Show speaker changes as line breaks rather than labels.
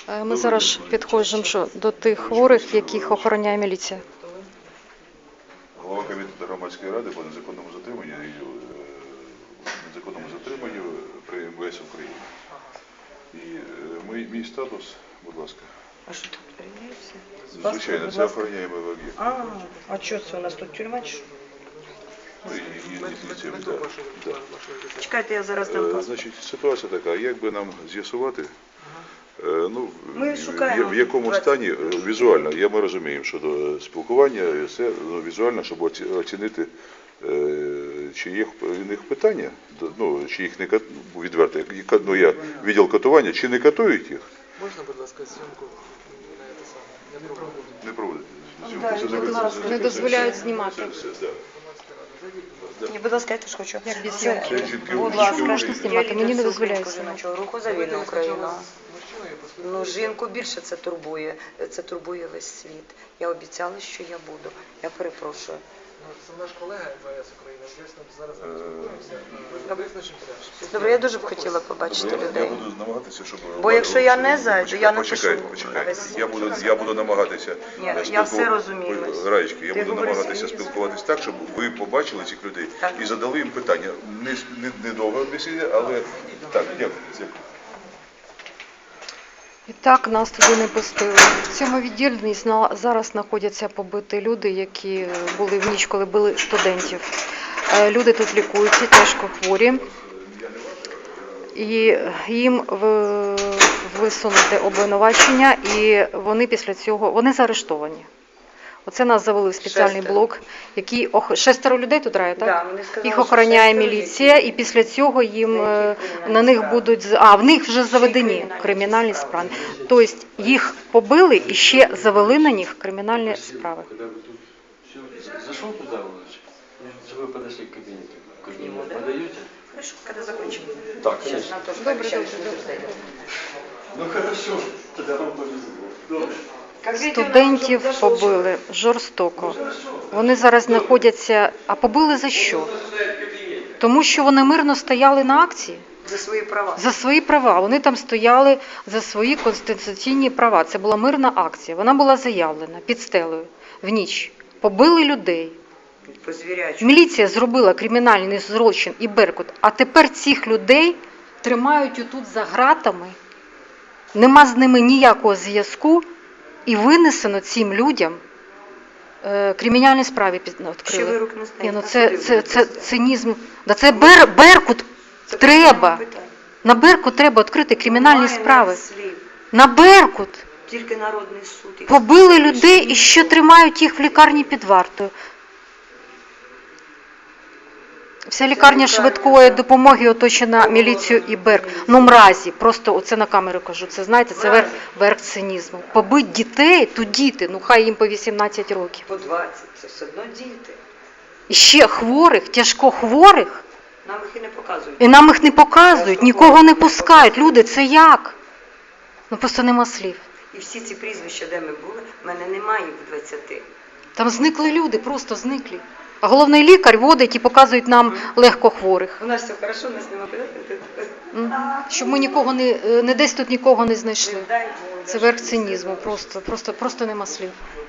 Ми зараз підходимо до тих хворих, яких охороняє міліція.
Голова комітету громадської ради по незаконному затриманню при МВС України. І мій статус, будь ласка.
А що тут перевіряється?
Звичайно, це охороняємий об'єкт.
А що це у нас тут тюрма? Чекайте, я зараз там паспорт.
Значить, ситуація така, як би нам з'ясувати,
шукаємо
в якому стані візуально, ми розуміємо, що до спілкування, це візуально, щоб оцінити, чи є в них питання, чи їх не відверто, я відділ катування, чи не катують їх.
Можна, будь ласка, зйомку на те саме?
Не проводити.
Не дозволяють знімати.
Ні, будь ласка, я теж хочу.
Як без зйомки?
Будь ласка,
Страшно знімати, мені не дозволяють знімати.
Руху за вільну Україну. Жінку більше це турбує весь світ. Я обіцяла, що я буду. Я перепрошую.
Це наш колега МВС України. Звісно, зараз спілкуємося. Визначимо порядок.
Добре, я дуже б хотіла побачити
Я
людей.
буду намагатися, щоб...
Бо якщо я не зайду, я напишу.
Почекайте. Я буду намагатися...
Ні, я все розумію.
Раєчки, я буду намагатися спілкуватись так, щоб ви побачили цих людей і задали їм питання. Не довго бесіда, але так, дякую.
І так нас туди не пустили. В цьому відділенні зараз знаходяться побиті люди, які були в ніч, коли били студентів. Люди тут лікуються, тяжко хворі. І їм висунуте обвинувачення, і вони після цього заарештовані. Оце нас завели в спеціальний блок, який 6 людей тут грає, так?
Да, вони сказали,
їх охороняє міліція, і після цього їм на них будуть, в них вже заведені кримінальні справи. Тобто їх побили і ще завели на них кримінальні справи.
Зашел туда, чтобы вы подошли к кабинету. К нему подаете?
Хорошо, когда закончим.
Так, сейчас.
Добре.
Ну хорошо, тогда вам повезло.
Студентів побили жорстоко. Вони зараз знаходяться, а побили за що? Тому що вони мирно стояли на акції.
За свої права.
За свої права. Вони там стояли за свої конституційні права. Це була мирна акція. Вона була заявлена під стелею в ніч. Побили людей. Міліція зробила кримінальний злочин і Беркут. А тепер цих людей тримають отут за ґратами. Нема з ними ніякого зв'язку. І винесено цим людям кримінальні справи відкрили.
Ще вирок не знає.
Це цинізм. Це Беркут треба. На Беркут треба відкрити кримінальні справи. На Беркут.
Тільки народний суд.
Побили людей і ще тримають їх в лікарні під вартою. Вся лікарня швидкої допомоги оточена міліцією і Берк. Мразі, просто оце на камеру кажу, це знаєте, це верх цинізму. Побить дітей, то діти, хай їм по 18 років.
По 20, це все одно діти.
І ще хворих, тяжко хворих.
Нам їх і не показують.
І нам їх не показують, нікого не пускають. Люди, це як? Просто нема слів.
І всі ці прізвища, де ми були, в мене немає їх в 20.
Там зникли люди, просто зниклі. А головний лікар водить і показують нам легкохворих.
У нас все хорошо, нас немає.
Щоб ми нікого не десь тут нікого не знайшли. Це верх цинізму, просто нема слів.